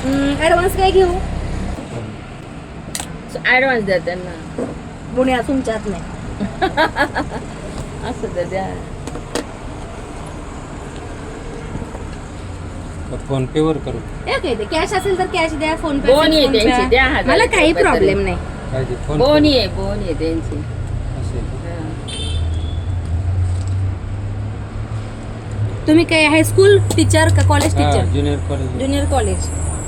Advance काय घेऊ? Advance द्या त्यांना. पुण्या तुमच्यात नाही. असं तर द्या. फोन पे वर करू. कॅश असेल तर कॅश द्या, फोन पे बोन आहे त्यांची, द्या 1000 मला काही रुपये प्रॉब्लेम तरी. नाही. काय ते फोन बोन आहे त्यांची. असेल. तुम्ही काय हायस्कूल टीचर का college teacher? Junior college. Junior college.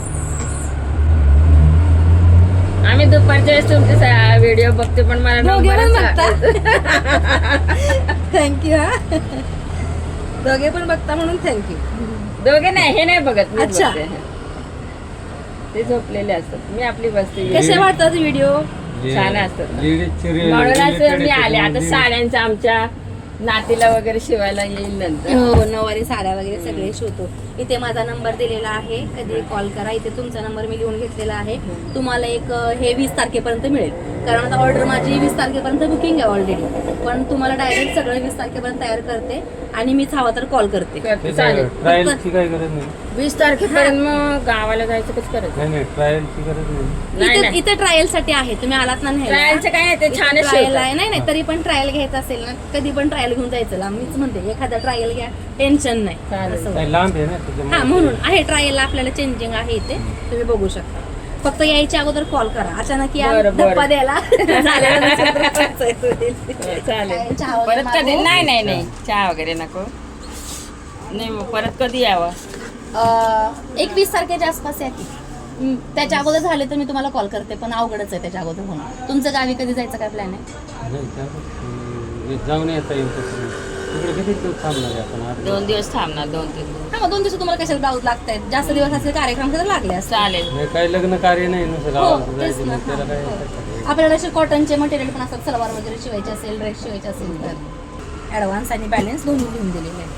आम्ही दुपारच्या वेळेस तुमचे व्हिडिओ बघते पण मला दोघे पण नंबरच बघता? सापडत. थँक्यू. हा, दोघे पण बघता म्हणून थँक्यू. दोघे नाही, हे नाही बघत मी अच्छा. बघते. ते झोपलेले असतात, मी आपली बसते. कसे वाटतात व्हिडिओ? छान असतात ना. लेडीजचे रे- म्हणूनच related मी आले. आता म्हणजे साड्यांच्या आमच्या नातीला वगैरे शिवायला येईल नंतर. हो, नऊवारी साड्या वगैरे सगळे शिवतो. इथे माझा नंबर दिलेला आहे, कधी कॉल करा. इथे तुमचा नंबर मी लिहून घेतलेला आहे. तुम्हाला एक हे 20 तारखेपर्यंत मिळेल, कारण आता ऑर्डर माझी 20 तारखेपर्यंत बुकिंग आहे ऑलरेडी. पण तुम्हाला डायरेक्ट सगळं 20 तारखेपर्यंत तयार करते आणि मीच हवा तर कॉल करते. चालेल. ट्रायलची काही गरज नाही. 20 तारखेपर्यंत मग गावाला जायचं कसं करायचं? नाही नाही, ट्रायलची गरज नाही. नाही, इथे नाही. इथे ट्रायल साठी आहे, तुम्ही आलात ना न्यायला. ट्रायलचं काय नाही, ते छानच ट्रायल शिवतात. आहे. नाही तरी पण ट्रायल घ्यायचं असेल ना, कधी पण ट्रायल घेऊन जायचं. मीच म्हणते एखादा ट्रायल घ्या, टेन्शन नाही. चालेल. असं काही लांब आहे ना त्याच्यामुळे. हा, म्हणून आहे ट्रायलला आपल्याला चेंजिंग आहे इथे, तुम्ही बघू शकता. फक्त यायच्या अगोदर कॉल करा. अचानक या बरं, बरं. धप्पा द्यायला झालेला नसेल तर पंचायत होईल. चालेल. काय, चहा वगैरे परत कधी? मागवू? नाही चहा वगैरे नको. नाही मग परत कधी यावं? 21 तारखेच्या आसपास या की. त्याच्या अगोदर झाले तर मी तुम्हाला कॉल करते, पण अवघडच आहे त्याच्या अगोदर होणं. तुमचं गावी कधी जायचं काय प्लॅन आहे? नाही, त्यावर जाऊन येता येईल तसं. तिकडे किती दिवस थांबणार आहे आपण? 2 दिवस थांबणार, 2-3 दिवस. हा, मग 2 दिवस तुम्हाला कशाला ब्लाऊज लागतायत? जास्त दिवस असले कार्यक्रम तर लागले असतात. चालेल. नाही, काही लग्न कार्य नाही नुसतं हो, गावाला तेच जायचं ना. मग त्याला काय हो. आपल्याला असे कॉटनचे मटेरियल पण असतात, सलवार वगैरे शिवायचे असेल, ड्रेस शिवायचे असेल तर ॲडव्हान्स आणि बॅलन्स दोन्ही लिहून दिलेले आहे.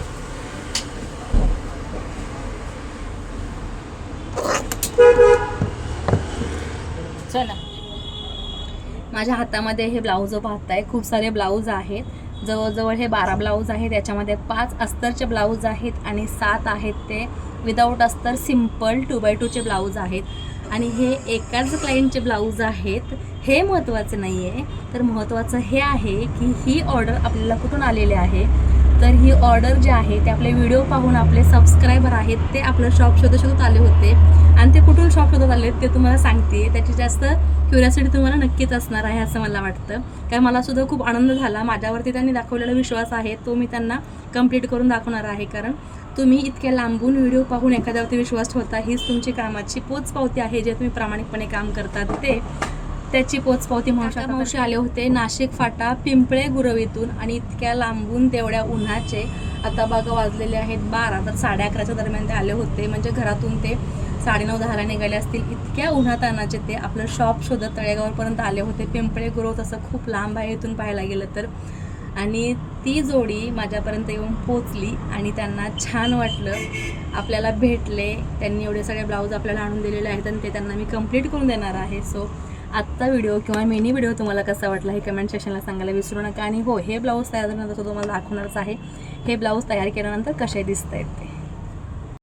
चला. माझ्या हातामध्ये हे ब्लाऊज पाहताय, खूप सारे ब्लाऊज आहेत. जवळजवळ हे 12 ब्लाऊज आहेत. याच्यामध्ये 5 अस्तरचे ब्लाऊज आहेत आणि 7 आहेत ते विदाऊट अस्तर सिम्पल 2x2 चे ब्लाऊज आहेत. आणि हे एकाच क्लायंटचे ब्लाऊज आहेत. हे महत्त्वाचं नाही आहे, तर महत्त्वाचं हे आहे की ही ऑर्डर आपल्याला कुठून आलेली आहे. तर ही ऑर्डर जी आहे ते आपले व्हिडिओ पाहून आपले सबस्क्रायबर आहेत, ते आपलं शॉप शोधत आले होते. आणि ते कुठून शॉप शोधत आले ते तुम्हाला सांगते. त्याची जास्त क्युरियोसिटी तुम्हाला नक्कीच असणार आहे असं मला वाटतं. कारण मला सुद्धा खूप आनंद झाला. माझ्यावरती त्यांनी दाखवलेला विश्वास आहे तो मी त्यांना कंप्लीट करून दाखवणार आहे. कारण तुम्ही इतक्या लांबून व्हिडिओ पाहून एखाद्यावरती विश्वास ठेवता, हीच तुमची कामाची पोचपावती आहे. जे तुम्ही प्रामाणिकपणे काम करतात ते त्याची पोचपावती म्हणू शकता. मावशी आले होते नाशिक फाटा पिंपळे गुरवीतून, आणि इतक्या लांबून तेवढ्या उन्हाचे, आता बघा वाजलेले आहेत 12, तर 11:30च्या दरम्यान ते आले होते. म्हणजे घरातून ते 9:30-10ला निघाले असतील. इतक्या उन्हातानाचे ते आपलं शॉप शोधत तळेगावपर्यंत आले होते. पिंपळे गुरव तसं खूप लांब आहे इथून पाहायला गेलं तर. आणि ती जोडी माझ्यापर्यंत येऊन पोचली आणि त्यांना छान वाटलं, आपल्याला भेटले. त्यांनी एवढे सगळे ब्लाऊज आपल्याला आणून दिलेले आहेत आणि ते त्यांना मी कंप्लीट करून देणार आहे. सो आत्ता व्हिडिओ किंवा मिनी व्हिडिओ तुम्हाला कसा वाटला हे कमेंट सेक्शनला सांगायला विसरू नका. आणि हो, हे ब्लाऊज तयार झाल्यानंतर तुम्हाला दाखवणारच आहे हे ब्लाऊज तयार केल्यानंतर कसे दिसत आहेत ते.